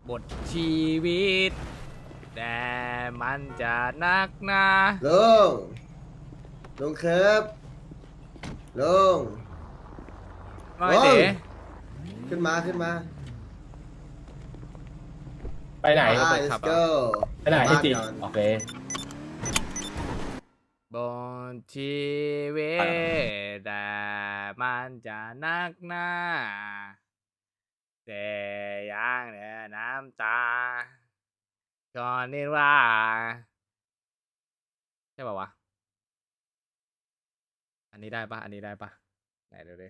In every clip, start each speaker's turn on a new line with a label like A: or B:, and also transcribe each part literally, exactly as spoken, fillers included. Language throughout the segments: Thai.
A: บทชีวิตแต่มันจะนักหนา
B: ลุงลุงครับลุง
A: ไม่เต๋
B: ขึ้นมาขึ้นมา
C: ไปไหน
B: ไป let's go
C: ไปไหนไอ้จีโอเค
A: บทชีวิตแต่มันจะนักหนาแต่ยังเหลือน้ำตาก่อนนี้ว่าใช่ป่าวะอันนี้ได้ปะอันนี้ได้ปะไหนดูดิ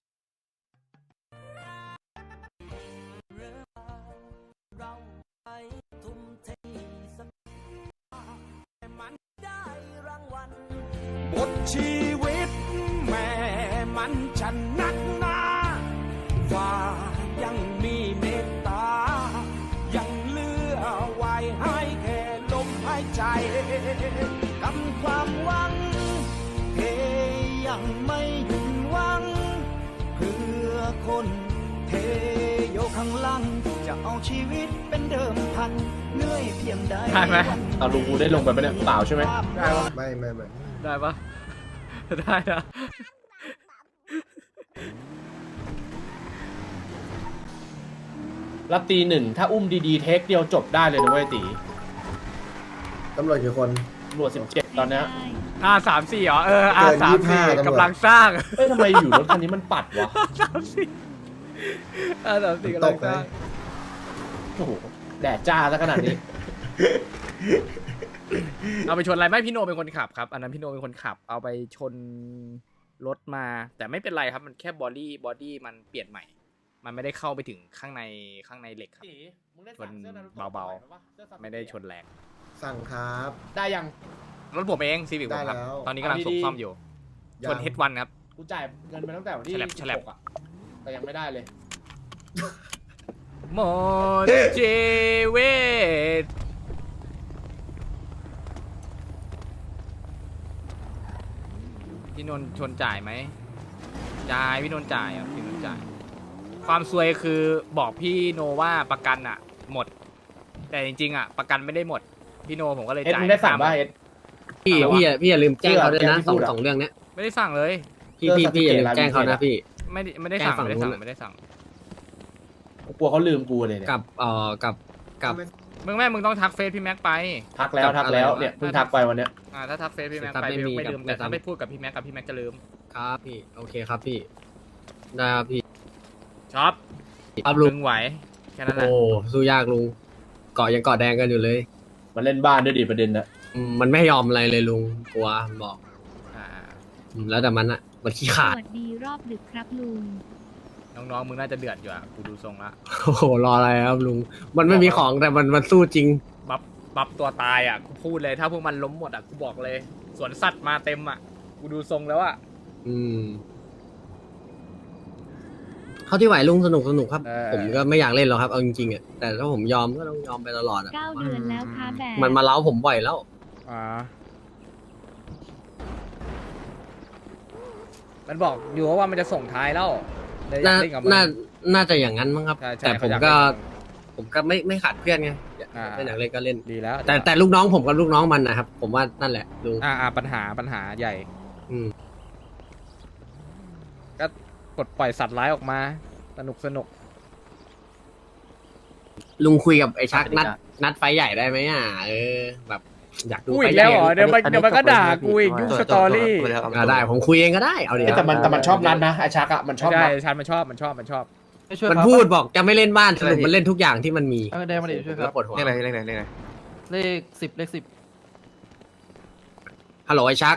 D: บทชีวิตแม่มันฉันนักหนาว่ายังมีเมตตายังเหลือไว้ให้แค่ลมหายใจกำความหวังเทยังไม่หยุดหวังเพื่อคนเทโยข้างหลังจะเอาชีวิตเป็นเดิมพันเหนื่อยเพียงใด
A: ได้ไหม
C: เอาลุงกูได้ลงไปไหมเนี่ยเปล่าใช่ไหม
A: ได้ปะ
B: ไม่ไม่ไม่
A: ได้ปะได้นะ
C: รับตีหนึ่งถ้าอุ้มดีๆเทคเดียวจบได้เลยนะเว้ยตี
B: ตำรวจกี่คน
C: ตำรวจสิบเจ็ดตอนเนี้ย
A: อาสามสี่เหรอเอออา
B: เกิน
A: สามสี่
B: ยี่สิบห้าตำรวจ
A: กำลังสร้าง
C: เฮ้ยทำไมอยู่รถคันนี้มันปัดวะ
A: สามสี่อาสามสี่กำลังสร้าง
C: โอ้โหแดดจ้าซะขนาดนี้
A: เอาไปชนอะไรไม่พี่โนเป็นคนขับครับอันนั้นพี่โนเป็นคนขับ เอาไปชนรถมา แต่ไม่เป็นไรครับมันแค่บอดี้บอดี้มันเปลี่ยนใหม่ มันไม่ได้เข้าไปถึงข้างในข้างในเหล็กครับ ชนเบาๆ ไม่ได้ชนแรง
B: สั่งครับ
C: ได้ยัง
A: รถผมเองซีวิกผมครับ
B: ได้แล้ว
A: ตอนนี้กำลังส่งซ่อมอยู่
B: ยัง
A: ชนเฮดวันครับ
C: กูจ่ายเงินไปตั้งแต่วันที่
A: ฉลับ
C: สิ
A: ฉ
C: บ
A: ลับ
C: หกอ่ะแต่ยังไม่ได้เลย
A: หมดชีวิตพี่นนท์ชนจ่ายไหมจ่ายพี่นนท์จ่ายอ่ะพี่นนท์จ่าย ความซวยคือบอกพี่โนว่าประกันอ่ะ หมด แต่จริงๆอ่ะประกันไม่ได้หมดพี่โนผมก็เลย
C: เอ็ด
A: จ่าย
C: มึงได้สั่งป่ะ
A: ห้าห
C: เอ็
A: มื่น
C: ด
E: พี่
C: อะไรวะ
E: พี่อย่าพี่อย่าลืมแจ้งเขาด้วยนะ
C: ที่
E: สอง
C: พูดอะ
E: สองเรื่องเนี้ย
A: ไม่ได้สั่งเลย
E: พี่พี่พี่อย่าลืมแจ้งเขานะพี่
A: ไม่ได้ไม่ได้สั่ง
E: แจ้งฝั่
A: ไม่
E: ง
A: ได้สั่ง
E: นู้น
A: ไม่ได้สั่ง
C: กูกลัวเขาลืมกูเลยเนี่ย
E: กับเอ่อกับกับ
A: มึงแม่มึงต้องทักเฟซพี่แม็กไป
C: ทักแล้วทักแล้วเนี่ยเพิ่งทักไปวันเนี้ย
A: อ่าถ้าทักเฟซพี่แม็ก
E: ถ้า
A: ไป
E: ไม่
A: พี่
E: มี
A: ไม่ลืม
E: กับ
A: แต่ถ้า
E: กับ
A: ไม่พูดกับพี่แม็กกับพี่แม็กจะลืม
E: ครับพี่โอเคครับพี่ได้ครับพี่
A: ช็อป
E: ครับลุง
A: มึงไหวแค่นั้นแหละ
E: โอ้สู้ยากลุงเกาะยังเกาะแดงกันอยู่เลย
C: มันเล่นบ้านด้วยดิประเด็นนะ
E: อืมมันไม่ยอมอะไรเลยลุงกลัวบอก
A: อ่า
E: อืมแล้วแต่มันอะมันขี้
F: ส
E: ขาด
F: วัสดีรอบดึกครับลุง
A: น้องๆมึงน่าจะเดือดอยู่อ่ะกูดูทรงละ
E: โอ้โหรออะไรครับลุงมันไม่มีของแต่มันมันสู้จริง
A: บัฟบัฟตัวตายอ่ะกูพูดเลยถ้าพวกมันล้มหมดอ่ะกูบอกเลยสวนสัตว์มาเต็มอ่ะกูดูทรงแล้วอ่ะ
E: อืมเขาที่ไหวลุงสนุกสนุกครับ
A: เออ
E: ผมก็ไม่อยากเล่นหรอกครับเอาจริงๆอะแต่ถ้าผมยอมก็ต้องยอมไปตลอดอะ
F: เก้าเดือนแล้วค่ะแบบ
E: มันมาเล้าผมบ่อยแล้ว
A: อ่ามันบอกอยู่ว่ามันจะส่งท้ายแล้วเลยอยา
E: น่าก
A: เล่นกับมั
E: น่า น่าจะอย่างนั้นมั้งครับ
A: ใช่ใช่
E: แต่ผม
A: เขาอยาก
E: ก็
A: เล่นกับ
E: ผมก็ไม่ไม่ขาดเพื่อนไง
A: อ่า
E: ไม่อยากเล่นก็เล่น
A: ดีแล้ว
E: แต่แต่ลูกน้องผมกับลูกน้องมันนะครับ ผมว่านั่นแหละลุง
A: อ่าอ่าปัญหาปัญหาใหญ่
E: อืม
A: ก็ปลดปล่อยสัตว์ร้ายออกมา สนุกสนุก
E: ลุงคุยกับไอ้ชักนัด นัดไฟใหญ่ได้ไหมอ่ะเออ แบบอยากดู
A: กู
E: ไฟ
A: อีก
E: ให
A: แล้ว
E: ญ่
A: เหรอเดี๋ยวมันเดี๋ยวมันก็ด่ากูอีกยุ่งสตอรี่
E: อ่าได้ผมคุยเองก็ได้เอาดิ
C: เอ้ยแต่มันแต่มันชอบนัดนะไอชักอ่ะมันชอบ
A: ใช่
C: นัด
A: ชันมันชอบมันชอบมันชอบ
E: มันพูดบอกจะไม่เล่นบ้านสรุปมันเล่นทุกอย่างที่มันมี
G: เออได้มาดิช่วยค
E: แล้
G: รั
E: ว
G: บ
E: ปวดหัว
G: เลขอะไรเลขอะไรเลขอะไรเลขสิบเลขสิบ
E: ฮัลโหลไอ้ชัก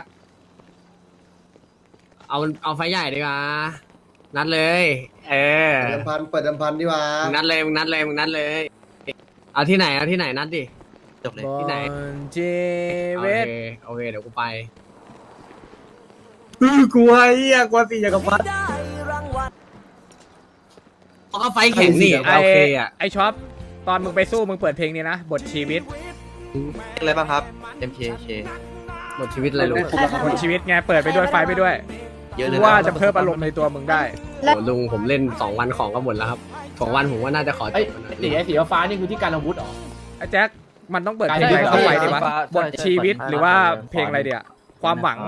E: เอาเอาไฟใหญ่ดีกว่านัดเลย เออ
B: เปิดเดิมพันเปิดเดิมพันดีกว่า
E: มึงนัดเลยมึงนัดเลยมึงนัดเลย เอาที่ไหนเอาที่ไหนนัดดิ
G: จบเลย
E: ที่ไหน
A: บอลเจ
E: โอ
A: เว
E: เค
A: ต
E: โอเคเดี๋ยวกูไปอื้อกลัวไอ้เหี้ยกลัวตีจากกับพัดเขาก็ไฟแข็งนี่
A: ไอ
E: โอเคอ่ะ
A: ไอช็อปตอนมึงไปสู้มึงเปิดเพลงนี้นะ บทชีวิต
G: เลขอะไรบ้างครับ เอ็ม เค เค
E: หมดชีวิตเลยลุง
A: บทชีวิตไงเปิดไปด้วยไฟไปด้วย
G: เยอะเลย
A: ว่าจะเพิ่มอารมณ์ในตัวมึงได้
E: โอ้ลุงผมเล่นสองวันของก็หมดแล้วครับของวันผมว่าน่าจะขอจ
C: ไอ้
E: บมันหน่อย
C: สีไอ้สีฟ้านี่คือที่การอาวุธเหรอ
A: ไอ้แจ็คมันต้องเปิดเพลง
C: ใช่
A: อะไรเข้าไปดีวะ
G: ใช่
A: บทชีวิตหรือว่าเพลงอะไรเดียความหวัง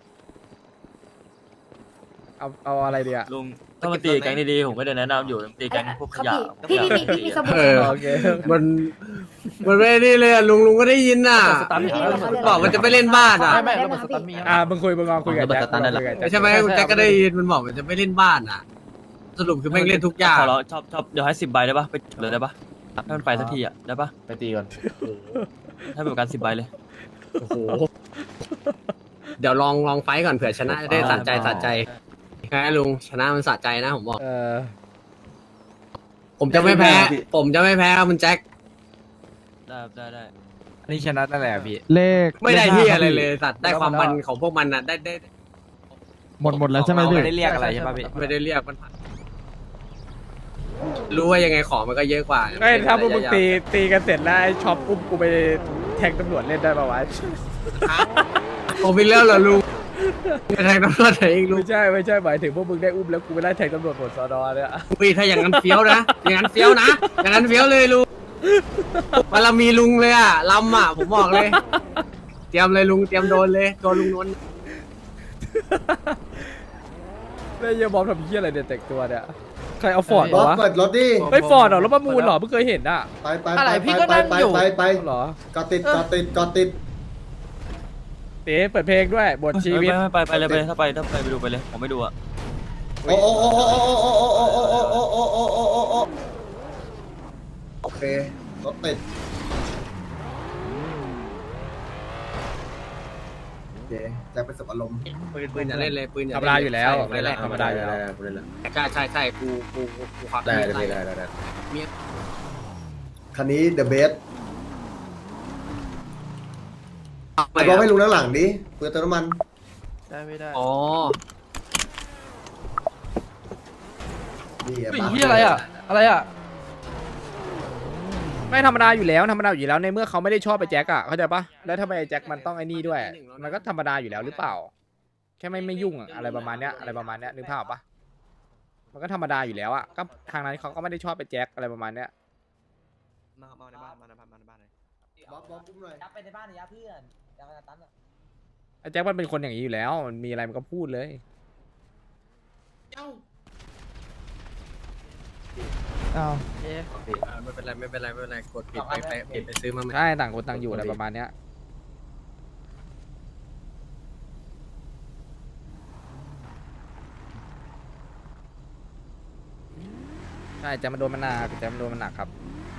A: เอาเอาอะไรเดีย
H: ลุงถ้ามันตีแก๊งดีๆผมก็จะแนะนำอยู่ตีแก๊งพวกขยะ
I: พี่พี่พี่พี่มีสมุด
E: เออ
A: โอเค
E: มันมันไม่นี่เลยอะลุงลุงก็ได้ยินน่ะ
G: สตันมี
E: บอกมันจะไปเล่นบ้านอ่ะ
G: ไม่ไม่ระเบิดสตันมี
A: อ่ามึงคุยมึงลองคุยกับแจ็ค
H: ระเบิดสตาร์ทได้แหละ
A: คุยกับแจ็ค
E: ใช่ไหมคุณแจ็คก็ได้ยินมันบอกมันจะไม่เล่นบ้านอ่ะ สรุปคือแม่งเล่นทุกอย่าง
H: ขอร้องชอบชอบเดี๋ยวให้สิบใบได้ปะไปจบเลยได้ปะให้มันไปสักทีอ่ะได้ปะ
C: ไปตีก่อน
H: ให้เป็นประกันสิบใบเลย
C: โอ้โห
E: เดี๋ยวลองลองไฟต์ก่อนเผื่อชนะจะได้สะใจสะใจแค่ลุงชนะมันสะใจนะผมบอก
A: เออ
E: ผมจะไม่แพ้ ผมจะไม่แพ้ครับคุณแจ็ค
H: ได้ได้ได้
G: อันนี้ชนะนั่นแหละพี่
J: เลข
E: ไม่ได้ที่อะไรเลยสัตว์ได้ความมันของพวกมันน่ะได้ได้
J: หมดหมดแล้วใช่ไหมพี่
G: ไม่ได้เรียกอะไรใช่ป่ะพี่
E: ไม่ได้เรียกมันผ่านรู้ว่ายังไงของมันก็เยอะกว่า
A: ไอ้ยถ้าพวกมึงตีตีกันเสร็จแล้วไอ้ช็อปอุ้มกูไปแทงตำรวจเล่นได้ปะวะ
E: ผมไปแล้วเหรอลุงไปแทงตำรวจไหนเองลุง
A: ไม่ใช่ไม่ใช่หมายถึงพวกมึงได้อุ้มแล้วกูไปไล่แทงตำรวจหมดสอนอเนี่ย
E: อุ้ยถ้าอย่างนั้นเฟี้ยวนะอย่างนั้นเฟี้ยวนะอย่างนั้นเฟี้ยวเลยลุงมันเรามีลุงเลยอ่ะลำอ่ะผมบอกเลย เตรียมเลยลุงเตรียมโดนเลยตัวลุงนนท์
A: แล้วเหี้ยบอมทำเหี้ยอะไรเนี่ยแต่งตัวเนี่ยใครเอาฟอร์ด
B: บอ
A: มาวะ
B: สเปิดรถดิ
A: เฮ้ยฟอร์ดเหรอรถประมูลเหรอเพิ่งเคยเห็นอ่ะ
B: ไปไป
G: อะไร
B: ไป
G: พี่
B: ไป
G: ก็
B: ไป
G: นั่ง
B: ไป
G: อยู่
B: ไปไป
A: เหรอ
B: กอดติดกอดติดกอดติด
A: เต๋เปิดเพลงด้วยบทชีวิต
H: ไม่ไปไปเลยไปถ้าไปถ้าไปไปดูไปเลยผมไม่ดูอ่ะ
B: โอ้โอ้โอ้โอ้โอ้โอ้โอ้โอ้โอ้โอ้โอ้โอ้โอ้โอ้โอ้โอ้โอเครถติดโอเคแจ็คเป็นสับอารมณ์
E: ปืนปืนอย่าเล่นเลยปืนอย่า
A: ธรรม
E: เล่น
A: ดาอยู่แล้ว
E: ใช่
A: แรกธรรมดาอยู่แล้ว
E: ใช่ใช่ใช่กูกูกูกูควัก
B: ได้
E: มี
B: ได้
E: ไล่
B: ได้ได้ได้
E: มี
B: คันนี้เดอะเบสบอกให้ลุงนั่งหลังดิเปิดเติมน้ำมัน
G: ได้ไม่ได้
E: อ๋อ
B: นี่
G: เฮ้ยที่อะไรอ่ะอะไรอ่ะ
A: ไม่ธรรมดาอยู่แล้วธรรมดาอยู่แล้วในเมื่อเขาไม่ได้ชอบไปแจ็คอะเข้าใจปะแล้วทำไมไอ้แจ็คมันต้องไอ้นี่ด้วย มันก็ธรรมดาอยู่แล้วหรือเปล่า แค่ไม่ไม่ยุ่งอะอะไรประมาณเนี้ยอะไรประมาณเนี้ยนึกภาพปะมันก็ธรรมดาอยู่แล้วอะก็ทางนั้นเขาก็ไม่ได้ชอบไปแจ็คอะไรประมาณเนี้ย
G: มามาในบ้านมาในบ้านมาในบ้านเลย
B: บอสบอสปุ้มหน่อย
I: จับไปในบ้านเลยอะเพื่อนจับไปตันอะ
A: ไอ้แจ็คมันเป็นคนอย่างนี้อยู่แล้ว มันมีอะไรมันก็พูดเลย
J: อ้าว
E: อ่าไม่เป็นไรไม่เป็นไรไม่เป็นไรกดปิดไปไปปิดไปซื้อมาใหม่
A: ใช่ต่างคนต่างอยู่อะไรประมาณเนี้ยใช่แจ็คมันโดนมันหนักแจ็คมันโดนมันหนักครับ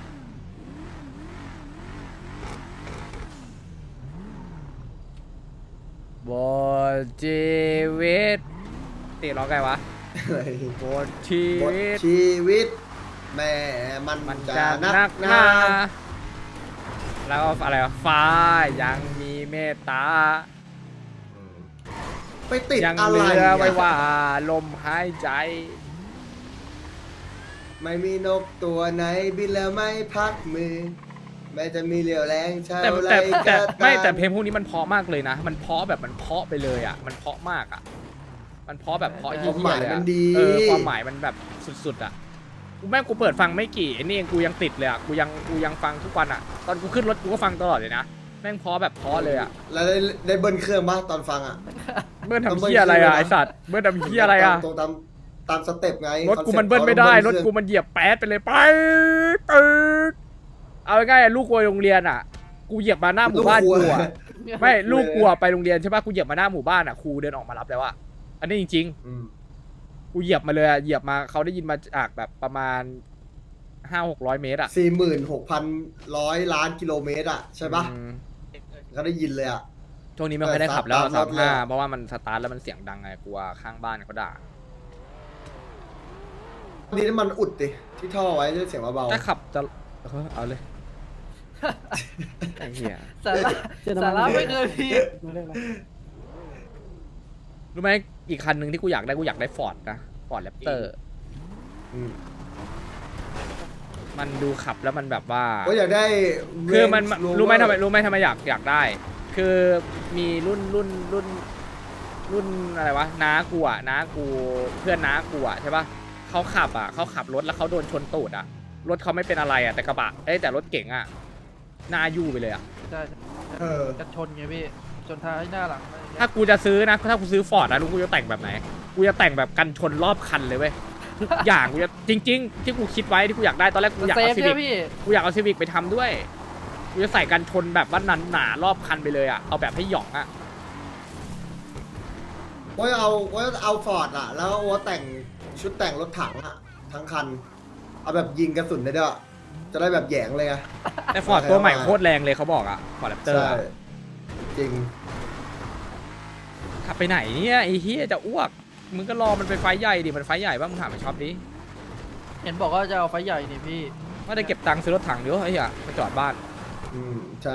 A: บทชีวิตตีร้องไงวะบทชี
B: บท
A: วิต
B: ชีวิต แม่มัน
A: มัน
B: จะ
A: จะ
B: นั
A: นั
B: ก
A: ก
B: ห
A: ห
B: นา
A: นาแล้วก็อะไรวะฟ้ายังมีเมตตา
B: ไปติด
A: ยัง
B: อะ
A: เห
B: ไร
A: ลือไว้
B: อะ
A: ว่าลมหายใจ
B: ไม่มีนกตัวไหนบินแล้วไม่พักมือ แม้จะมีเหลียวแรงเท่า
A: แต่
B: ไร
A: แต่แต่
B: ก็ตา
A: ไม่แต่เพลงพวกนี้มันเพราะมากเลยนะ มันเพราะแบบมันเพราะไปเลยอ่ะ มันเพราะมากอ่ะ มันเพราะแบบเพราะ
B: ค
A: เยี่
B: วามหมาย
A: ๆเลย
B: มั
A: อะ
B: นดี
A: เออความหมายมันแบบสุดๆอ่ะกูแม่งกูเปิดฟังไม่กี่ไอ้นี่เองกูยังติดเลยอ่ะกูยังกูยังฟังทุกวันอ่ะ ตอนกูขึ้นรถกูก็ฟังตลอดเลยนะแม่งเพราะแบบเพราะเลยอ่ะ
B: แล้วได้ได้เบิ้ลเครื่องปะตอนฟังอ่ะ
A: เบิ้ลทำเหี้ยอะไรอ่ะไอสัตว์เบิ้ลทำเหี้ยอะไรอ่ะ
B: ตรงตามตามสเต็ปไง
A: รถกูมัน
B: ค
A: เบิ้ล
B: ซ็ปต์
A: ไม่ได้
B: ขา
A: ร
B: ต้อง
A: ถ
B: เบิ้ล
A: กูมันเหยียบแป๊ดไปเลยไปตึ๊กเอาง่ายๆลูกกูไปโรงเรียนอ่ะ กูเหยียบมาหน้าหมู่บ้านกูอ่ะไม่ลูกกูอะไปโรงเรียนใช่ปะกูเหยียบมาหน้าหมู่บ้านอ่ะครูเดินออกมารับแล้วอ่ะอันนี้จริง
B: อืม
A: ๆกูเหยียบมาเลยอะเหยียบมาเขาได้ยินมาจากแบบประมาณห้าหกร้อยเมตรอ่ะ
B: สี่หมื่นหกพันร้อยล้านกิโลเมตรอ่ะใช่ปะ
A: อืม
B: เขาได้ยินเลยอ่ะ
A: ช่วงนี้ไม่ค่อยได้ขับแล้ว
B: แต่ส
A: สา
B: ตาร์
A: ม
B: ทรถ
A: ห้า
B: เลย
A: เพราะว่ามันสตาร์ทแล้วมันเสียงดังไงกลัวข้างบ้านเขาด่า
B: นี่น้ำมันอุดดิที่ท่อไว้จะเสียงเบาๆ
A: ถ้าขับจะเออเอาเลยไอ้เหี้ย
G: สาระสาระไม่เคยพี่
A: รู้ไหมอีกคันหนึ่งที่กูอยากได้กูอยากได้ฟอร์ดนะฟอร์ดแรปเตอร์
B: อืม
A: มันดูขับแล้วมันแบบว่า
B: ก็อยากได้
A: คือมัน
B: Range Rover
A: รู้ไหมทำไมรู้ไหมทำไมอยากอยากได้ คือมีรุ่นรุ่นรุ่นรุ่นอะไรวะน้ากูอ่ะน้ากูเพื่อนน้ากูอ่ะใช่ปะเขาขับอ่ะเขาขับรถแล้วเขาโดนชนตูดอ่ะรถเขาไม่เป็นอะไรอ่ะแต่กระบะเอ้ยแต่รถเก๋งอ่ะหน้ายู่ไปเลยอ่ะ
G: ใช่
B: เออ
G: จะชนไงพี่ชนท้ายหน้าหลังอะไรอย่างเงี้ย
A: ถ้ากูจะซื้อนะถ้ากูซื้อฟอร์ดนะลุงกูจะแต่งแบบไหนกูจะแต่งแบบกันชนรอบคันเลยเว้ยทุกอย่างกูจะจริง ๆ ที่กูคิดไว้ที่กูอยากได้ตอนแรกกูอยาก
G: เซฟ
A: เอาซี
G: ใช่
A: วิ
G: ไหม
A: ก
G: พี่
A: กูอยากเอาซีวิกไปทำด้วยกูจะใส่กันชนแบบว่าหนารอบคันไปเลยอ่ะเอาแบบให้หย่องอ่ะ
B: โอ้ยเอาโอ้ยเอาฟอร์ดอะแล้วโอ้แต่งชุดแต่งรถถังอะทั้งคัน เอาแบบยิงกระสุนได้ด้วยจะได้แบบแหยงเลยไง
A: แต่ฟอร์ดตัวใหม่โคตรแรงเลยเขาบอกอ่ะฟอร์ดแรปเตอร์
B: ใช่จริง
A: ขับไปไหนเนี่ยไอ้เฮียจะอ้วกมึงก็รอมันไปไฟใหญ่ดิมันไฟใหญ่ป่ะมึงถามไอ้ช็อปดิ
G: เห็นบอกว่าจะเอาไฟใหญ่นี่พี่
A: ว่าได้เก็บตังค์ซื้อรถถังเดี๋ยวไอ้เหี้ยมาจอดบ้าน
B: อืมใช่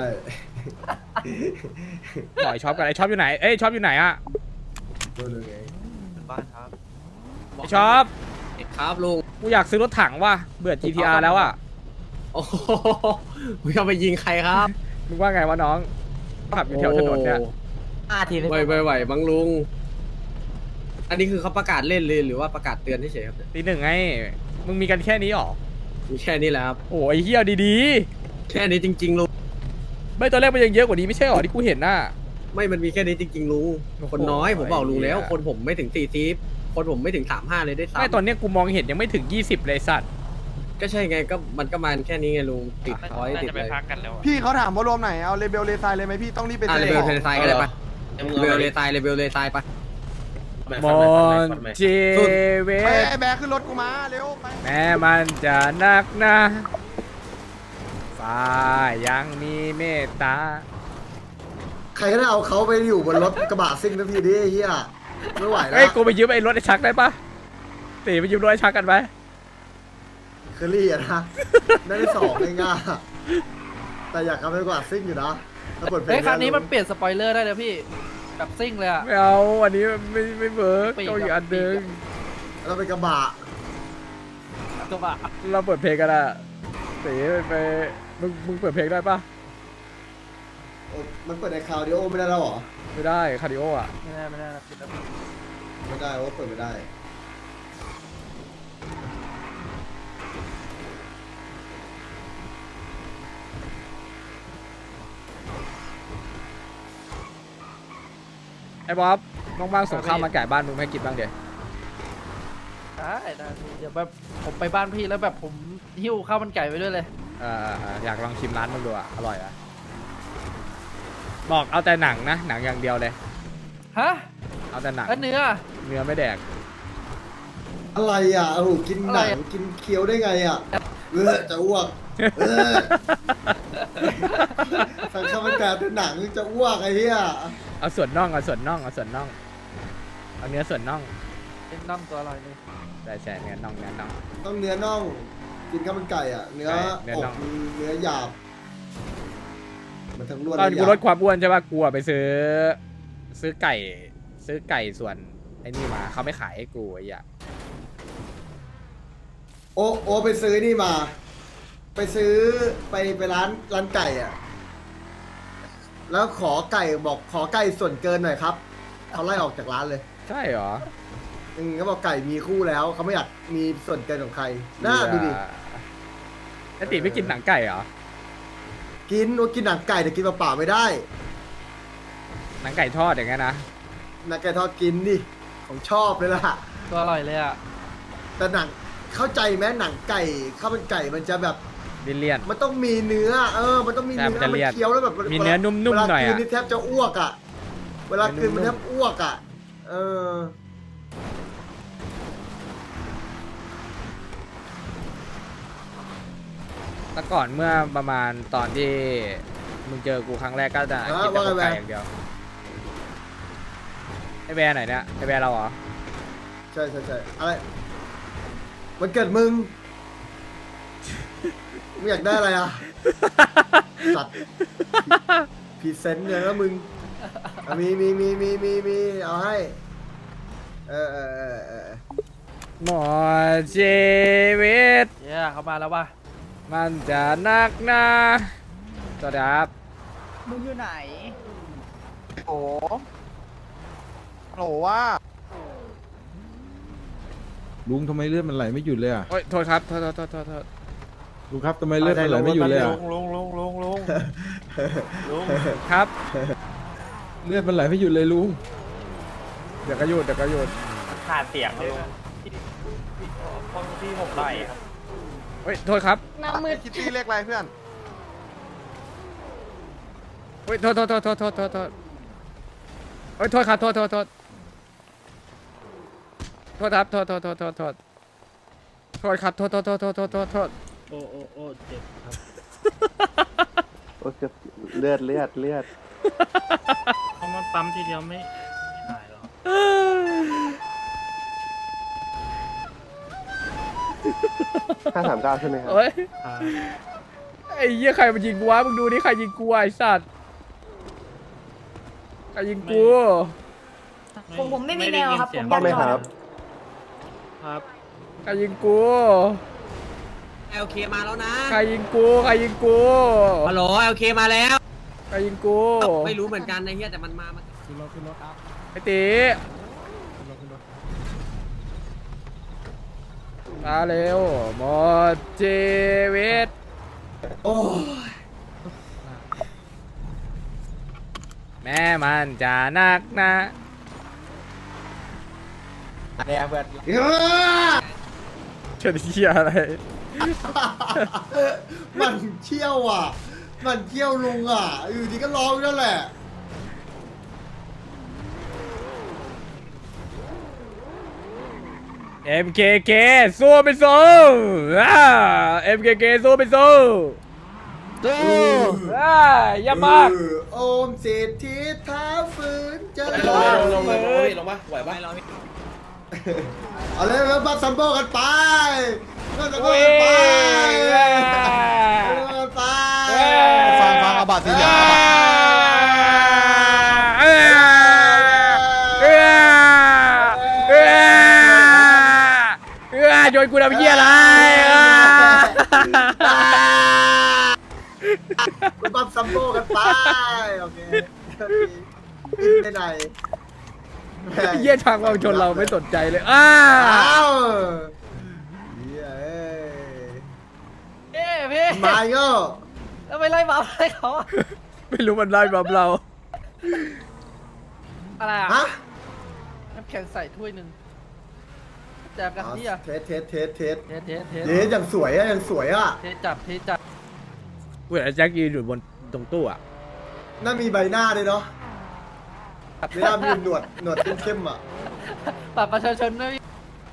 A: บ่อยช็อปกันไอ้ช็อปอยู่ไหนเอ้ยช็อปอยู่ไหนอ่ะ
B: ดูดูไง
G: บ้านครับ
A: ไอ้ช็อป
E: ครับลุง
A: กูอยากซื้อรถถังว่ะเบื่อ จี ที อาร์ แล้วอ่ะ
E: โอ้โหมึงจะไปยิงใครครับ
A: มึงว่าไงวะน้องขับอยู่แถวถนนเนี่ย
I: ห้าทีเลย
E: ไหวไหวไหวบังลุง อันนี้คือเขาประกาศเล่นเลยหรือว่าประกาศเตือนเฉยๆครับ
A: ตีหนึ่งไงมึงมีกันแค่นี้หรอ
E: มีแค่นี้แหละครับ
A: โอ้ยเฮียดี
E: แค่นี้จริงๆลุง
A: ๆไม่ตอนแรกมันยังเยอะกว่านี้ไม่ใช่หรอที่กูเห็นน่ะ
E: ไม่มันมีแค่นี้จริงๆลุง
A: โอ้โห
E: คนน้อยผมบอกลุงแล้ว
A: ไอ้เหี้ย
E: คนผมไม่ถึงสี่สิบคนผมไม่ถึงสามห้าเลยได้วยซ้ำ
A: ไม่ตอนเนี้ยกูมองเห็นยังไม่ถึงยี่สิบเลยสัตว์
E: ก็ใช่ไงก็มันก็มาแค่นี้ไงลุงติดร้อยติดเลย
J: พี่เขาถามว่ารวมไหน เอาเลเบลเลซายเลยไหมพี่ต้องรีบไป
E: อ่ะ
J: ซื้
E: เล
J: อ
E: เวลเทนไซก็ได้ปะเลเวลเลไซเลเวลเลไซปะ
A: มอนเจเว
J: ไป
A: ต
J: ไอ้แบกขึ้นรถกูมาเร็วไป
A: แม้มันจะหนักหนะฟ้ายังมีเมตตา
B: ใครก็ได้เอาเขาไปอยู่บนรถกระบะซิ่งทันทีดิไอ้เหี้ยไม่ไหวแล้
A: เฮ้ยว กูไปยืมไอ้รถไอ้ชักได้ปะตีไปยืมรถไอ้ชักกันไหม
B: เคอรี่อะนะได้ที่สองเองอะแต่อยากเอาไปกว่าซิ่งอยู่นะถ้าเปิดเพลง
G: เฮ้ยคันนี้มันเปลี่ยนสปอยเลอร์ได้เลยพี่แบบซิ่งเลยอะ
A: ไม่เอาอันนี้ไม่ไม่เวิร์ก
G: ปีก
A: เอาอีก
G: อะ
A: อันหนึง
B: เราไปกระบะ
G: กระบะ
A: เราเปิดเพลงกันอะตีไปไปมึงมึงเปิดเพลงได้ปะ
B: โอ้มันเปิดในคาวดิโอไม่ได้แล้วเหรอ
A: ไม่ได้คาร์ดิโออะ
G: ไม่ได้ไม่ได้นะปิดแล้ว
B: ไม่ได้โอ้เปิดไม่ได้
A: ไอ้บ๊อบน้องบ้างส่งข้าวมาไก่บ้านมึงไม่ให้กินบ้างเดี๋ยว
G: ได้ได้พี่เดี๋ยวแบบผมไปบ้านพี่แล้วแบบผมหิ้วข้าวมันไก่ไปด้วยเลย
A: เออเอออยากลองชิมร้านมึงดูอะอร่อยอะบอกเอาแต่หนังนะหนังอย่างเดียวเลย
G: ฮะ
A: เอาแต่หนัง
G: แล้วเนื้อ
A: เนื้อไม่แดก
B: อะไรอ่ะโอ้โหกินหนัง
G: อะไรอะ
B: กินเคี้ยวได้ไงอ่ะเออจะอ้วกเออสั่งข้าวมันไก่เป็นหนังจะอ้วกไอ้เหี้ย
A: เอาส่วนน่องเอาส่วนน่องเอาส่วนน่องเอาเนื้อส่วนน่อง
G: เป็นน่องตัวอร่อยเลย
A: ได้ใช่เนื้อน่องเนื้อน่อง
B: ต้องเนื้อน่อง กินข้าวมันไก่อ่ะ เนื้อ
A: ใช่เนื้อ
B: อ
A: น่อก ง
B: เนื้อหยาบ มันทั้งล้วน
A: ตอน
B: และห
A: กู
B: ยาบ
A: ลดความอ้วนใช่ป่ะกูอะไปซื้อ ซื้อไก่ ซื้อไก่ส่วนไอ้นี่มาเขาไม่ขายให้กูไอ้เหี้ย
B: โอ้โอ้ไปซื้อนี่มา ไปซื้อไปไปร้านร้านไก่อ่ะ แล้วขอไก่บอกขอไก่ส่วนเกินหน่อยครับเขาไล่ออกจากร้านเลย
A: ใช่เหรอ
B: อืมเขาบอกไก่มีคู่แล้วเขาไม่อยากมีส่วนเกินของใครน่าดูดิ
A: ไอ้ติไม่กินหนังไก่เหรอ
B: กินว่ากินหนังไก่แต่กินเปล่าๆไม่ได้
A: หนังไก่ทอดอย่างเงี้ยนะ
B: หนังไก่ทอดกินดิของชอบเลยล่ะ
G: ตัวอร่อยเลยอะ
B: แต่หนังเข้าใจไหมหนังไก่ข้าวมันไก่มันจะแบบ
A: ดิเลียน
B: มันต้องมีเนื้อ เออ มันต้องมี
A: ใช่
B: เนื้
A: มัน
B: อ
A: จะ
B: มัน
A: เลี่ยน
B: เคี้ยวแล้วแบบ
A: มีเนื้อนุ่มๆหน่อยอะ
B: เวลากินนี่แทบจะอ้วกอ่ะ เวลากินมันแทบอ้วกอ่ะ เออ
A: แต่ก่อนเมื่อประมาณตอนที่มึงเจอกูครั้งแรกก็จะ
B: อ่า
A: กินแต่
B: ว่าไง
A: อกไก่
B: แบร์
A: อย่างเดียวไอแบร์ไหนเนี่ยไอแบร์เราเหรอ
B: ใช่ใช่ใช่อะไรมันเกิดมึง มึงอยากได้อะไรอ่ะ สัตว์พรีเซนต์เลยนะมึงอ่ะมีมีมีมีมีมีเอาให้ เออเออเออเออ
A: หมอชีวิต
G: เย้เขามาแล้วว่ะ
A: มันจะนักหนาสวัสดีครับ
I: มึงอยู่ไหน
J: โอ้โหว่า
K: ลุงทำไมเลือดมันไหลไม่หยุดเลยอ่ะ
A: โอ้ยโทษครับโทษโทษโทษโทษโทษ
K: ลุงครับทำไมเลือดมันไหลไม่หยุดเลยอ่ะ
J: ลงลงลงลงลง
A: ครับ
K: เลือดมันไหลไม่หยุดเลยลุง
A: เดี๋ยวก็หยุดเดี๋ยวก็หยุด
I: ขาดเสียงเลยห้องที่ผมได้ครับ
A: เฮ้ยโทษครับ
F: น้ำมือ
J: คิตตี้เลขอะไรเพื่อน
A: เฮ้ยโทษโทษโทษโทษโทษโทษโทษเฮ้ยโทษครับโทษโทษโทษโทษครับโทษโทษโทษโทษโทษโทษครับโทษโทษโทษโทษโทษโทษโทษ
C: โอ้โอ้โอ้เจ็บครับ
J: โอ้เลือดเลือดเลือด
I: เพราะมันปั๊มทีเดียวไม่หายหรอก
J: ห้าสามเก้าใช่ไหมครับ
A: เฮ้ยไอ้เหี้ยใครมันยิงกูวะมึงดูนี่ใครยิงกูวะไอ้สัตว์ใครยิงกู
F: ผมผมไม่มีแนวครับผม
J: ต้องไหมครับ
I: ครับ
A: ใครยิงกู
E: เอลเคมาแล้วนะ
A: ใครยิงกูใครยิงกู
E: ฮัลโหลเอลเคมาแล้ว
A: ใครยิงกู
E: ไม่รู้เหมือนกันไอ้เหี้ยแต่มันมามัน
A: ไอ้ตีมาเร็วหมดชีวิต
B: โอ้ย
A: แม่มันจะนักนะ
B: เอ้อ
A: เฉยเชี่ยอะไร
B: มันเชี่ยวอ่ะ มันเชี่ยวลุงอ่ะ อยู่ดีก็ร้องนั่นแหละ
A: เอ็มเคเคสู้ไปสู้อ่าเอ็มเคเคสู้ไปสู้สู้อ่าอย่ามาก
B: เออโอมเศรษฐีเท้าฝืนจะ
C: ลงเลยลงเลยลงเลยลงมาไหวปะ
B: เอาเลยแล้วบัตซัมโบกันไปบัตซัมโบ
A: โอ้ย
B: กันไป
A: อ่า
B: กันไป
J: ฟังฟังเอาบัตรสีเหลืองเอาบัตร
A: เอ้ยเอ้ยเอ้ยเอ้ยโยนกูทำเหี้ยอะไรอ่า
B: บัตซัมโบกันไป โอเคไปไหน
A: เหี้ยทางเราชนเราไม่สนใจเลยอ้า
B: อ้าวเฮ้ย
G: เอ้พี่
B: มาโย่
G: แล้วไปไล่บัฟให้เขาอะ
A: ไม่รู้มันไล่บับเรา
G: อะไรอ่ะ
B: ฮะ
G: น้ำแข็งใส่ถ้วยหนึ่งแจกกันที่อ่ะ
B: เทสเทสเทสเทส
G: เทสเทสเทส
B: เทสอย่างสวยอะอย่างสวยอะ
G: เทสจับเทสจับ
A: กูเห็นไอ้แจ็คยืนอยู่บนตรงตู้อะ
B: น่ามีใบหน้าด้วยเนาะไม่น่ามีหนวดหนวดเข้มๆอะ
G: บัตรประชาชนด้วยพี่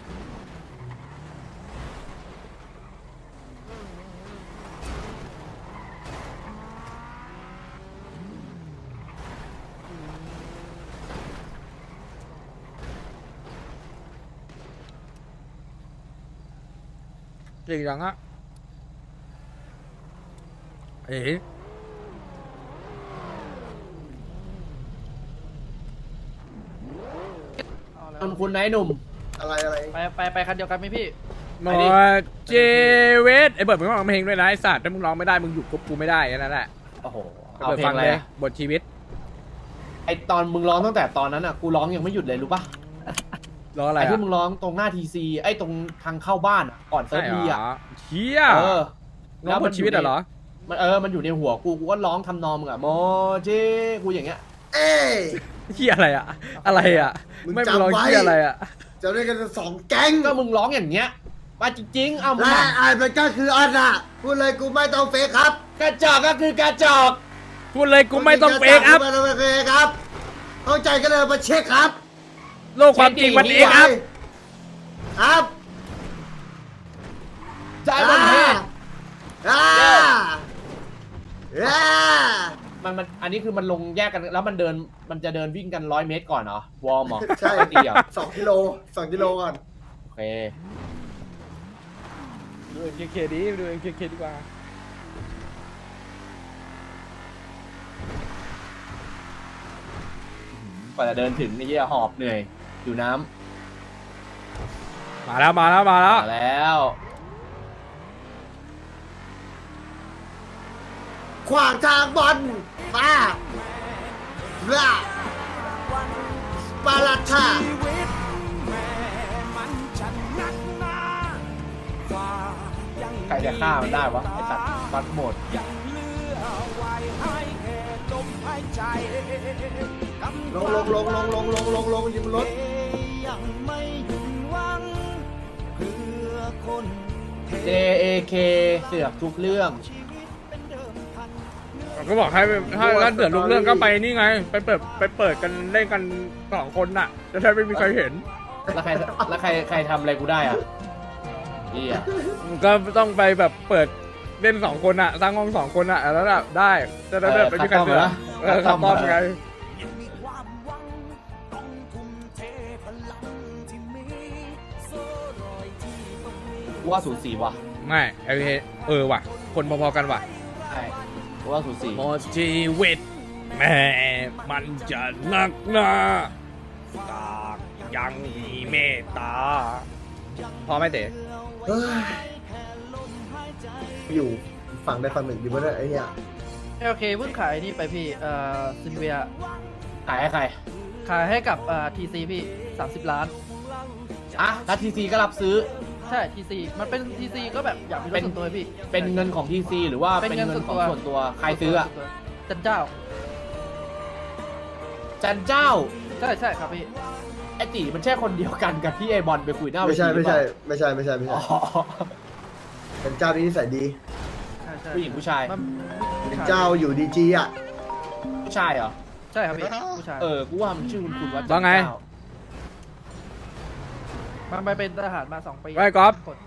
A: จริงจังอะเอ๋
C: คุณคุณนายหนุ่ม
B: อะไรอะไร
G: ไปไปไปคันเดียวกันไหมพี่
A: หมอเจเวสไอ้เบิร์ดมึงต้องร้องเพลงด้วยนะไอ้สัตว์ถ้ามึงร้องไม่ได้มึงหยุดกบกูไม่ได้แค่นั้นแหละ
C: โอ้โห
A: ไอ้
C: เอา
A: เบิร์ด
C: เพล
A: ฟั
C: ง
A: ง
C: อะไร
A: เลย
C: อะ
A: บทชีวิต
C: ไอตอนมึงร้องตั้งแต่ตอนนั้นอ่ะกูร้องยังไม่หยุดเลยรู้ปะ
A: ร้องอะไร
C: ไอ
A: อะ
C: ที่มึงร้องตรงหน้าทีซีไอตรงทางเข้าบ้านอะก่อนเซิ
A: ใช่
C: ร์ฟ
A: เหร
C: บีอ่ะ
A: อเชี่ย
C: เออ
A: ร้องบทชีวิตอะเหรอ
C: มันเออมันอยู่ในหัวกูกูก็ร้องทำนองมึงอ่ะโมเจกูอย่างเงี้ย
B: เอ้ย
A: เชี่ยอะไรอะอะไรอะ
B: มึง
A: ไม่
B: จำ
A: มึงร้อง
B: ไว้
A: เชี่ยอะไรอะ
B: จะเรียกกันสองแก๊ง
C: ก็มึงร้องอย่างเงี้ยมาจริงๆเอามึง
B: และ
C: อะ
B: ไอ้มันก็คืออันน่ะพูดเลยกูไม่ต้องเฟกครับ
C: กระจอกก็คือกระจอก
A: พูดเลยกูไม่ต้องเฟกอัพ
B: ไม่ต้องเฟกครับเข้าใจก็เลยมาเช็คครับ
A: โลกความจริงมันเอกอัพ
B: ครับ
C: ใจมันแห้ง
B: อ่าอ่า
C: มันมันอันนี้คือมันลงแยกกันแล้วมันเดินมันจะเดินวิ่งกันร้อยเมตรก่อนเหรอวอร์มเหรอ
B: ใช่
C: ตีเหรอ
B: สองกิโลสองกิโลก่อน
C: โอเค
A: ดู เอ็ม เค เค ดิดู เอ็ม เค เค ดีกว่า
C: กว่าจะเดินถึงนี่เหี้ยหอบเหนื่อยอยู่น้
A: มาแล้วมาแล้วมา
C: ำ
A: แล้ว
C: มาแล้ว
B: ขวางทางบอลมาลาปาลาท่า
D: ชีวิตแม่มันจะนัก
C: ใครจะฆ่ามันได้วะไอ้สัตว์ฟัดหมด
D: ยังเหลือไว้ให้แค่ลมหายใจ
B: ลงลงลงลงลงลงลงลงยิงบนรถ
D: ยังไม่หยุดหวังเพื่อคน
C: เจ เอ เค เสือกทุกเรื่อง
A: ก็บอกให้ถ้าถ้าเดือดลุกเรื่องก็ไปนี่ไง ไปเปิดไปเปิดกันเล่นกันสองคนน่ะ จะได้ไม่มีใครเห็น
C: แล้วใครแล้วใครใครทำอะไรกูได้อ่ะเฮีย
A: ก็ต้องไปแบบเปิดเล่นสองคนอะสร้างห้องสองคนอะแล้วแบบได้จะได้แบบไม่มีใครเสือกเออขับต้อมไง
D: ยังมีความหวังต้องทุ่มเทพลังที่มีโซ่รอยที่ต้องมี
C: กูว่าสูสีว่ะ
A: ไม่ไอเออว่ะ คนพอๆกันว่ะ
C: ใช่กูว่าสูสี
A: หมดชีวิตแม่มันจะนักหนาตากยังมีเมตตาพอไหมเต๋
B: เฮ้ยอยู่ฝั่งใดฝั่งหนึ่งอยู่บนนั้นไอ้เหี้ย
G: โอเคเพิ่งขายนี่ไปพี่เอ่อซินเวีย
C: ขายให้ใคร
G: ขายให้กับเอ่อทีซีพี่สามสิบล้าน
C: อ่ะแล้วทีซีก็รับซื้อ
G: ใช่ทีซีมันเป็นทีซีก็แบบอยากมีรถส่วนตัวพี่
C: เป็นเงินของทีซีหรือว่า
G: เป็น
C: เป็น
G: เงิน
C: เงินของ
G: ส่
C: ส่
G: ว
C: วน น
G: ตั
C: ตัว วใครซื้ออ่ะ
G: จันเจ้า
C: จันเจ้า
G: ใช่ใช่ครับพี่
C: ไอตีมันใช่คนเดียวกันกับที่ไอบอลไปคุยหน้าเว
B: ไม่
C: ที
B: ใช่
C: หรื
B: ไม่
C: อเป
B: ใช่
C: ล่า
B: ไม่ใช่ไม่ใช่ไม่
C: อ๋
B: ใช่
C: อ
B: เป็นเจ้าที่นิสัยดี
G: ใช่ใช่
C: ผู้หญิงผู้ชาย
G: มัน
B: เป็นเจ้าอยู่ดีจีอ่ะ
C: ผู้ชายเหรอ
G: ใช่ครับพี่ผู้ชาย
C: เออ กูว่ามันชื่อคุณคุณว่าจัน
A: ว่าไง
C: เจ้า
G: มันไปเป็นทหารมาสองปี
A: ไว้ก๊อฟ
G: กด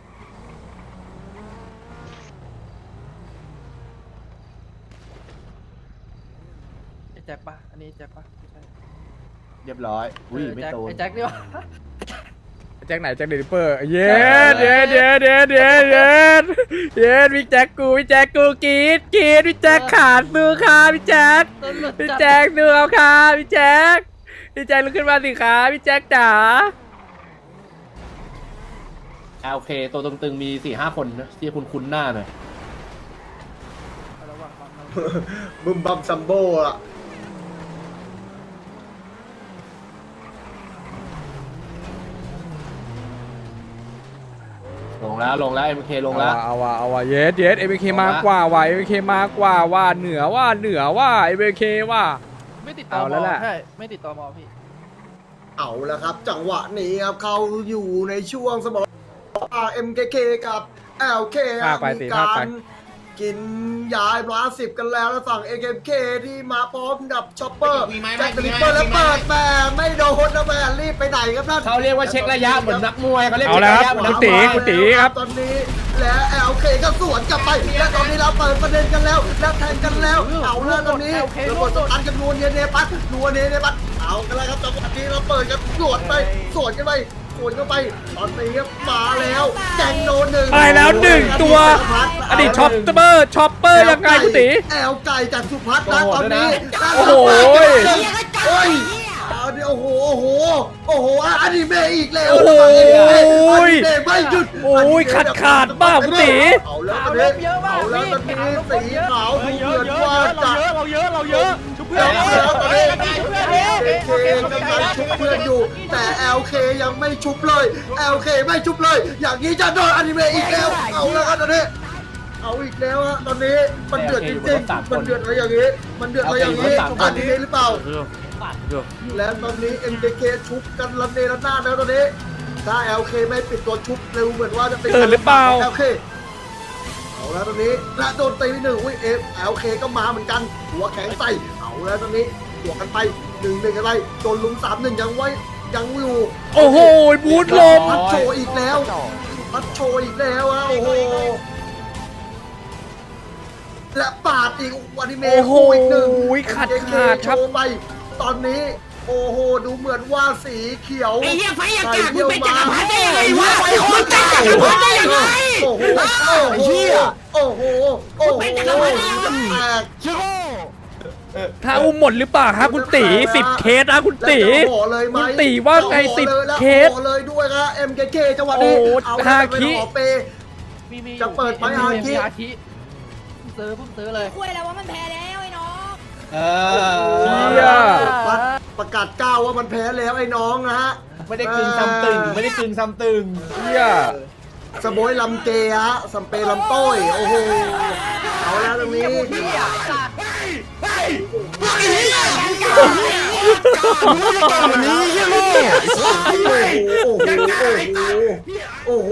G: ไอ้แจ็คปะอันนี้แจ็คปะไม่ใช่
C: เรียบร้อย อุ้ย
G: เออ
C: ไม่
G: แจ็ค
C: โตน
G: ไอ้แจ็คนี่วะ
A: แจ็คไหนแจ็คเดลิเปอร์เย็ดเย็ดเย็ดเย็ดเย็ดเย็ดเย็ดพี่แจ็คกูพี่แจ็คกูกรีดกรีดพี่แจ็คขาดสู้ค่ะพี่แจ็ค
G: ตำรวจ
A: พี่
G: จับ
A: แจ็คดูเอาค่ะพี่แจ็คพี่แจ็คลุกขึ้นมาสิคะพี่แจ็คจ๋า
C: อ่าโอเค ตัวตึงๆมีสี่ห้าคนนะที่คุณคุ้นหน้าหน่อย
G: ระวังความระวัง
B: บึมบัมซัมโบอ่ะ
C: ลงแล้วลงแล้วเอ็มเคลงแล้ว
A: เอาว่ะเอาว่ะเย็ดเย็ดเอ็มเคมากกว่าว่ะเอ็มเคมากกว่าว่าเหนือว่าเหนือว่าเอ็มเคว่า
G: ไม่ติดต่อ
A: เอา
G: ม
A: แล้วแหละ
G: ใช่ไม่ติดต่อมอพี่
B: เอาแล้วครับ จังหวะนี้ครับเขาอยู่ในช่วงสมรเอ็มเคเคกับ แอล เค
A: พาไป
B: มี
A: สิ
B: กา
A: พาไป
B: รกินยาร้าสิบกันแล้วแล้วฝั่ง เอ เค ที่มาพร้อมกับช็อปเปอร์แจ็คลิปเปอร์แล้วเปิดแม่ไม่โดนนะแม่รีบไปไหนครับนั่น
C: เขาเรียกว่าเช็คระยะเหมือนนักมวยเขาเรียก
A: เอา
C: เช็ค
A: แล้ว
C: ระยะเหมือนนั
A: คุ
C: ก
A: ณ
C: ม
A: ตี
C: วย
A: คุณตีครับ
B: ตอนนี้และ แอล เค ก็สวนกลับไปและตอนนี้เราเปิดประเด็นกันแล้วแล้วแทงกันแล้วเอาแล้วตอนนี้ระบบตันกันนัวเนียเนปัสนัวเนียเนปัสเอากันแล้วครับจังหวะนี้เราเปิดกันสวนไปสวนกันไปสวนกันไปตอนนี้มาแล้วแกงโดนหนึ่ง
A: ไปแล้วหนึ่งตัวอดีตช็อปเปอร์ช็อปเปอร์ยังไงคุณตี
B: แอลไก่จากสุพัฒน์นะตอนนี้
A: โอ้โห
B: โอ้ยเอาดิโอ้โหโอ้โหโอ้โหอนิเมะอีกแล้ว
A: โอ้โห
B: อนิเมะไม่หยุด
A: โอ้ยขาดขาดมากคุณตี
B: เอาแล้วตอนนี้เอาแล้วตอนนี้สีขาวดูเหมือนว่าจะ
I: เราเยอะเราเยอะชุบเพื่อ
B: แล้
I: น
B: วแล้วตอนนี้ เอ เค กำลังชุบเพื่อนอยู่ แต่ แอล เค ยังไม่ชุบเลย แอล เค ไม่ชุบเลย อย่างนี้จะโดนอนิเมะอีกแล้ว เอาแล้วครับตอนนี้ เอาอีกแล้วฮะตอนนี้มันเดือดจริงๆ มันเดือดอะไรอย่างนี้ มันเดือดอะไรอย่างนี้อนิเมะหรือเปล่า และตอนนี้ เอ็ม เค เค ชุบกันระเนระนาดแล้วตอนนี้ ถ้า แอล เค ไม่ปิดตัวชุบเร็วเหมือนว่าจะเป็น
A: เกิดหรือเปล่า
B: แอล เค เอาแล้วตอนนี้และโดนตีไปหนึ่งอุ้ยเอฟแอลเคก็มาเหมือนกัน หัวแข็งใส่เอาแล้วตอนนี้บวกกันไปหนึ่งหนึ่งอะไรโดนลุมสามหนึ่งยังไว้ยังอยู่
A: โอ้โหบูทลม
B: พัดโชว์อีกแล้วพัดโชว์อีกแล้วอะโอ้โหและปาดอีกวันนี้เม
A: โอ้โห
B: คู่อีกหนึ่ง
A: ขาดขาดครับ
B: โชว์ไปตอนนี้ โอ้โหดูเหมือนว่าสีเขียวไอ้เหี้ยไฟอากาศมึงเป็นจักรพรรดิได้ยังไงวะไอ้คนเป็นจักรพรรดิได้ยังไงโอ้โหโอ้โหโอ้โหโอ้โหเป็นจักรพรรดิแตก
A: ถ้าอุ้มหมดหรือเปล่าครับคุณตีสิบเคสนะคุณตี
B: แล้วจะห่อเลยไหม
A: คุณตีว่าไง
B: จะห่อ
A: สิบ
B: เลยแล้ว
A: เคส
B: ห่อเลยด้วยครับ เอ็ม เค เค จังหวะนี้
A: โอ้
B: เอา
A: ฮา
B: แล้ว
A: คิ
B: เป็นห่อเป
G: มีมี
B: จะเปิดไหม
G: มี
B: ฮาคิ
G: มีฮาคิเพิ่งซื้อเพิ่งซื้อเลย
F: คุยแล้วว่ามันแพ้แล้วไอ้น้อง
C: เอ
A: เชี่
C: อย
B: ประประกาศก้าวว่ามันแพ้แล้วไอ้น้องนะฮะ
C: ไม่ได้กึ่งซ้ำตึงไม่ได้กึ่งซ้ำตึง
A: เฮีย
B: สโบยลำเกฮะสัมเปลำโต้ยโอ้โหเอาแล้วตรงนี้โอ้โหโอ้โห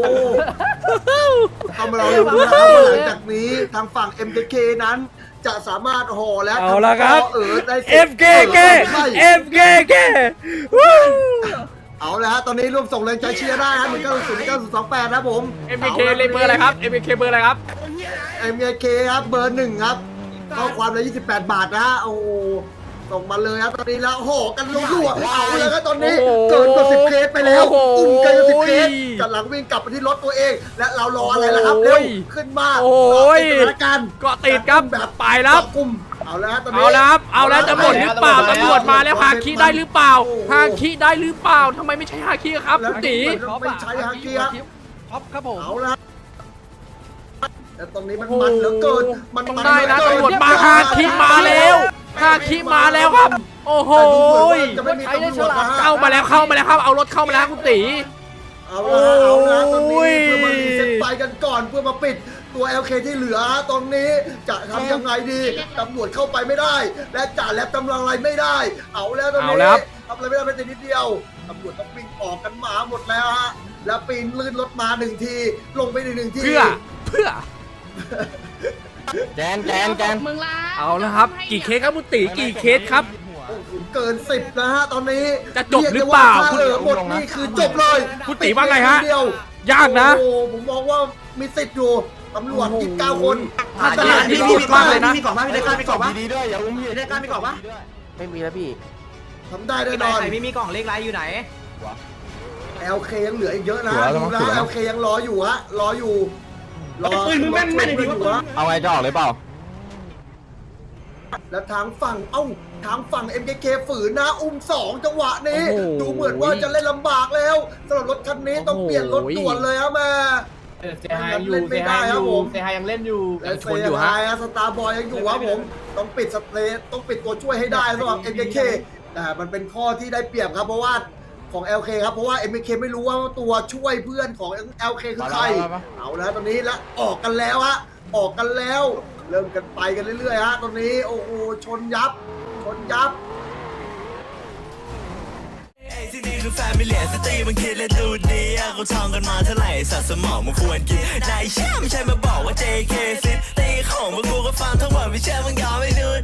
B: ทำเราอยู่นะครับว่าหลังจากนี้ทางฝั่ง เอ็ม เค เค นั้นจะสามารถห่อและ
A: เอาละครับ
B: เออได้
A: เอฟ เค เค เอฟ เค เค วู้
B: เอาละฮะตอนนี้ร่วมส่งแรงใจเชียร์ได้ฮะหนึ่งเก้าศูนย์ เก้าศูนย์สองแปดนะผม
A: เอ็ม เค เลขเบอร์อะไรครับ เอ็ม เค เบอร์อะไรครับ
B: เอ็ม เค ครับเบอร์หนึ่งครับข้อความละยี่สิบแปดบาทนะฮะโอ้โหส่งมาเลยครับตอนนี้แล้วห่อกันรัวๆเอาเลยครับตอนนี้
A: โอ้โห
B: เกินกว่าสิบเคสไปแล้ว
A: โอ้โห
B: อุ้มเกินกว่าสิบเคสกำลังวิ่งกลับไปที่รถตัวเอง และเรารออะไรล่ะครับเร็วขึ้นมา
A: โอ้ย
B: ติดสถานการณ์
A: เกาะติดครับ
B: แบบ
A: ไปแล้ว
B: เกาะกลุ่มเอาแล้วตอนนี้
A: เอาแล้วครับ เอาแล้วจะหมดหรือเปล่าตำรวจมาแล้วฮาคิได้หรือเปล่าฮาคิได้หรือเปล่าทำไมไม่ใช่ฮาคิครับ
B: แล้ว
A: คุณตี
B: ไม่ใช่ฮาคิครับ
G: ท็อปครับผม
B: เอาละแต่ตรงนี้มันมันเหลือเกิน มัน
A: ต้อง
B: มัน
A: ได้นะ
B: เหลือเกิ
A: ตำรวจมาฮาคิมาแล้วฮาคิมาแล้วครับ โอ้โห
B: จะไม่มีตำรวจนะฮะ
A: เข้ามาแล้วเข้ามาแล้วครับ เอารถเข้ามาแล้วคุณตี
B: เอาละเอาละตอน
A: โอ้
B: นี้
A: ย
B: เพื่อมารีเซ็ตไฟกันก่อนเพื่อมาปิดตัว แอล เค ที่เหลือตรงนี้จะทำยังไงดีตำรวจเข้าไปไม่ได้ และจ่าแลบตำลังอะไรไม่ได้ เอาแล้วตรงนี้ทำอะไรไม่ได้เป็นนิดเดียวตำรวจต้องวิ่งออกกันมาหมดแล้วฮะแล้วปีนลื่นรถมาหนึ่งทีลงไปหนึ่งที
A: เพื่อเพื่อ
E: แจนแจนแจน
A: เอาแล้วครับ กี่เคสครับคุณตีกี่เคสครับ
B: โอ้โหเกินสิบนะฮะตอนนี้
A: จะจบหรือเปล่า
B: ยกได้ว่าถ้าเหลือหมดนี่คือจบเลย
A: คุณตีว่าไงฮะ
B: เดียวย
A: ากนะ
B: โอ้โหผมมองว่ามีสิทธิ์อยู่ตำรวจยี่สิบเก้าคน
A: ถ้าจะอันนี้สุดมากเลยนะ
B: มีกล่องไหมมีกล่องมีกล่อง
E: ดีด้วยอย่าอุ้มพี่
B: ได้การมีกล่องปะ
G: ไม่มีแล้วพี่
B: ทำได้แน่นอน
E: ไม่มีกล่องเลขไรอยู่ไหน
B: แอล เค ยังเหลืออีกเยอะนะดูนะ แอล เค ยังรออยู่ฮะรออยู่รอปืนมึงแม่นแม่นดีวะ
E: เอาไงจะออกเลยเปล่า
B: แล้วทางฝั่งเอ้าทางฝั่ง เอ็ม เค เค ฝืนนะอุ้มสองจังหวะนี้
A: โอ้โห
B: ดูเหมือนว่าจะเล่นลำบากแล้วสำหรับรถคันนี้ต้องเปลี่ยนรถด่วนเลยครับแม่
C: เซฮายอยู่เซฮายอยู่เซฮายยังเล่นอยู่
B: และเซฮายสตาร์บอยยังอยู่ครับผมต้องปิดสเตทต้องปิดตัวช่วยให้ได้สำหรับ เอ็ม เค เค แต่มันเป็นข้อที่ได้เปรียบครับเพราะว่าของ แอล เค ครับเพราะว่า เอ็ม เค ไม่รู้ว่าตัวช่วยเพื่อนของ แอล เค คือใครเอาแล้วตอนนี้แล้วออกกันแล้วฮะออกกันแล้ว เริ่มกันไปกันเรื่อยๆฮะตอนนี้โอ้โหชนยับชนยับ
D: ที่นี่คือแฟมิเลียสตรีมันคิดและดูดีอะเขาท่องกันมาเท่าไหร่สัตว์สมองมันควรกินนายเชื่อไม่ใช่มาบอกว่า เจ เค ซิตี้ของพวกกูก็ฟังทั้งหมดไม่เชื่อมึงยอมไม่ดู